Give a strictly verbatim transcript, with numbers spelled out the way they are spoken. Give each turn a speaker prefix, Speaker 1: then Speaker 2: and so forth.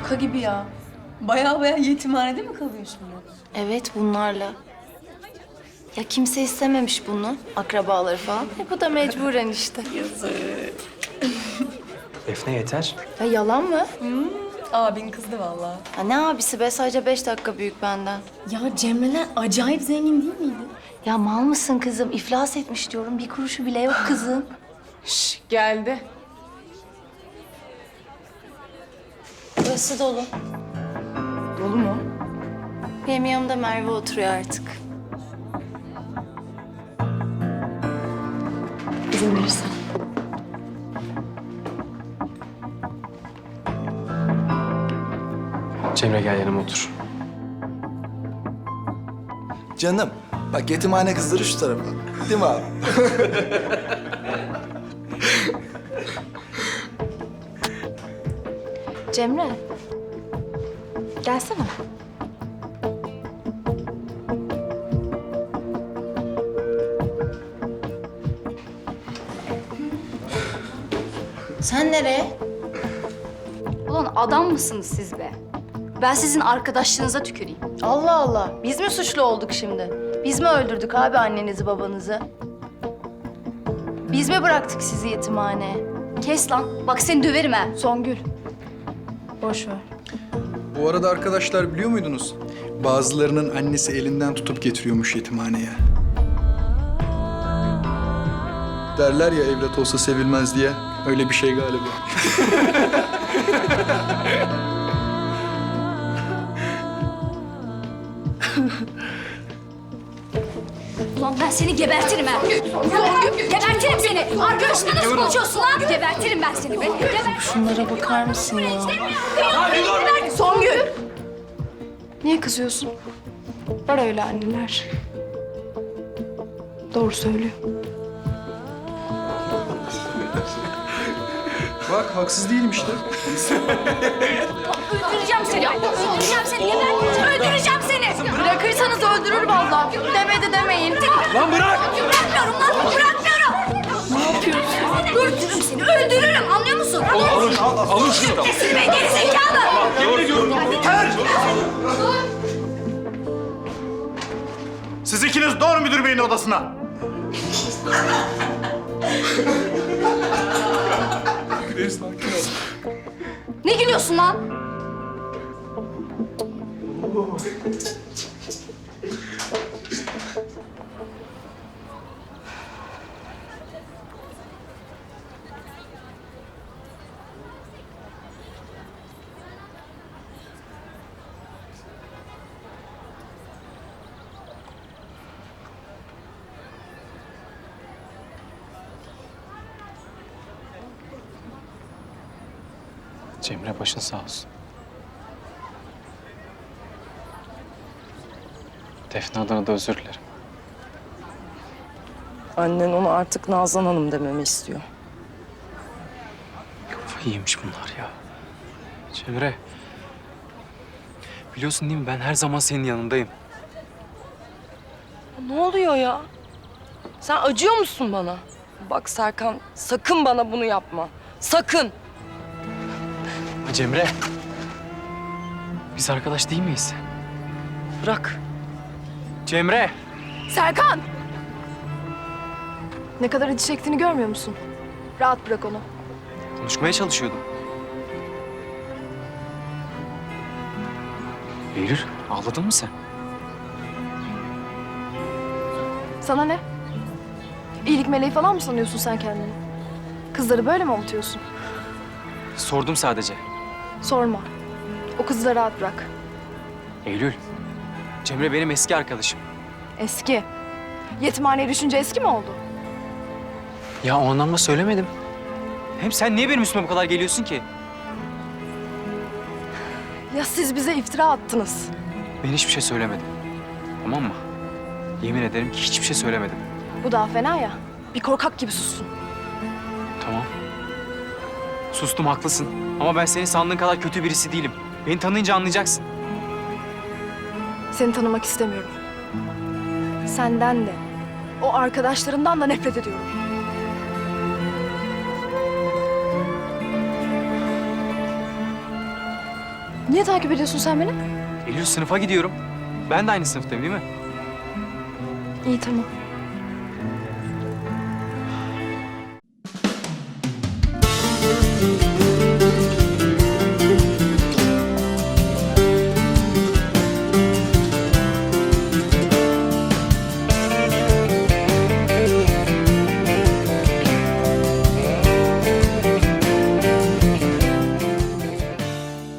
Speaker 1: Şaka gibi ya. Baya baya yetimhanede mi kalıyor şimdi?
Speaker 2: Evet, bunlarla. Ya kimse istememiş bunu, akrabaları falan. E bu da mecburen işte.
Speaker 3: Defne yeter.
Speaker 2: Ya yalan mı?
Speaker 1: Abin kızdı vallahi.
Speaker 2: Ya ne abisi be, sadece beş dakika büyük benden.
Speaker 1: Ya Cemre'ler acayip zengin değil miydi?
Speaker 2: Ya mal mısın kızım? İflas etmiş diyorum. Bir kuruşu bile yok kızım.
Speaker 1: Şş, geldi.
Speaker 2: Burası dolu.
Speaker 1: Dolu mu?
Speaker 2: Benim yanımda Merve oturuyor artık.
Speaker 1: İzin verirsen.
Speaker 3: Cemre gel yanıma otur.
Speaker 4: Canım, bak yetimhane kızları şu tarafa. Değil mi abi?
Speaker 2: Cemre. Gelsene. Sen nereye?
Speaker 5: Ulan adam mısınız siz be? Ben sizin arkadaşlığınıza tüküreyim.
Speaker 2: Allah Allah. Biz mi suçlu olduk şimdi? Biz mi öldürdük abi annenizi babanızı? Biz mi bıraktık sizi yetimhaneye?
Speaker 5: Kes lan. Bak seni döverim ha.
Speaker 2: Songül. Boş ver.
Speaker 6: Bu arada arkadaşlar biliyor muydunuz? Bazılarının annesi elinden tutup getiriyormuş yetimhaneye. Derler ya evlat olsa sevilmez diye. Öyle bir şey galiba.
Speaker 5: Ulan ben seni gebertirim ha. Gebertirim seni. Arkadaşına nasıl konuşuyorsun lan? Gebertirim ben seni be. Geber.
Speaker 2: Şunlara bakar mısın ya?
Speaker 1: Songül! Niye kızıyorsun? Var öyle anneler. Doğru söylüyor.
Speaker 6: Bak haksız değilim işte.
Speaker 5: Öldüreceğim seni. Öldüreceğim seni. Gebertirim. Öldüreceğim seni.
Speaker 2: Bırakırsanız öldürür vallahi. Demedi demeyin.
Speaker 6: Lan bırak!
Speaker 5: Bırakmıyorum lan. Bırakmıyorum. Ne yapıyorsun? Öldürürüm seni. Öldürürüm. Anlıyor musun?
Speaker 6: Alın, al, alın şunu.
Speaker 5: Kesin be gerizekalı.
Speaker 7: Siz ikiniz doğru müdür beyin odasına.
Speaker 5: Ne gülüyorsun lan?
Speaker 3: Cemre başın sağ olsun. Defne adına da özür dilerim.
Speaker 1: Annen ona artık Nazan Hanım dememi istiyor.
Speaker 3: Kafayı yemiş bunlar ya. Cemre. Biliyorsun değil mi ben her zaman senin yanındayım.
Speaker 1: Ne oluyor ya? Sen acıyor musun bana? Bak Serkan, sakın bana bunu yapma. Sakın.
Speaker 3: Ha, Cemre. Biz arkadaş değil miyiz?
Speaker 1: Bırak.
Speaker 3: Cemre.
Speaker 8: Serkan! Ne kadar acı çektiğini görmüyor musun? Rahat bırak onu.
Speaker 3: Konuşmaya çalışıyordum. Eylül, ağladın mı sen?
Speaker 8: Sana ne? İyilik meleği falan mı sanıyorsun sen kendini? Kızları böyle mi avutuyorsun?
Speaker 3: Sordum sadece.
Speaker 8: Sorma. O kızı da rahat bırak.
Speaker 3: Eylül, Cemre benim eski arkadaşım.
Speaker 8: Eski. Yetimhaneye düşünce eski mi oldu?
Speaker 3: Ya o anlamda söylemedim. Hem sen niye benim üstüme bu kadar geliyorsun ki?
Speaker 8: Ya siz bize iftira attınız.
Speaker 3: Ben hiçbir şey söylemedim. Tamam mı? Yemin ederim ki hiçbir şey söylemedim.
Speaker 8: Bu daha fena ya. Bir korkak gibi sussun.
Speaker 3: Tamam. Sustum, haklısın. Ama ben senin sandığın kadar kötü birisi değilim. Beni tanıyınca anlayacaksın.
Speaker 8: Seni tanımak istemiyorum. Senden de, o arkadaşlarından da nefret ediyorum. Niye takip ediyorsun sen beni?
Speaker 3: Eylül, sınıfa gidiyorum. Ben de aynı sınıftayım değil mi?
Speaker 8: İyi tamam.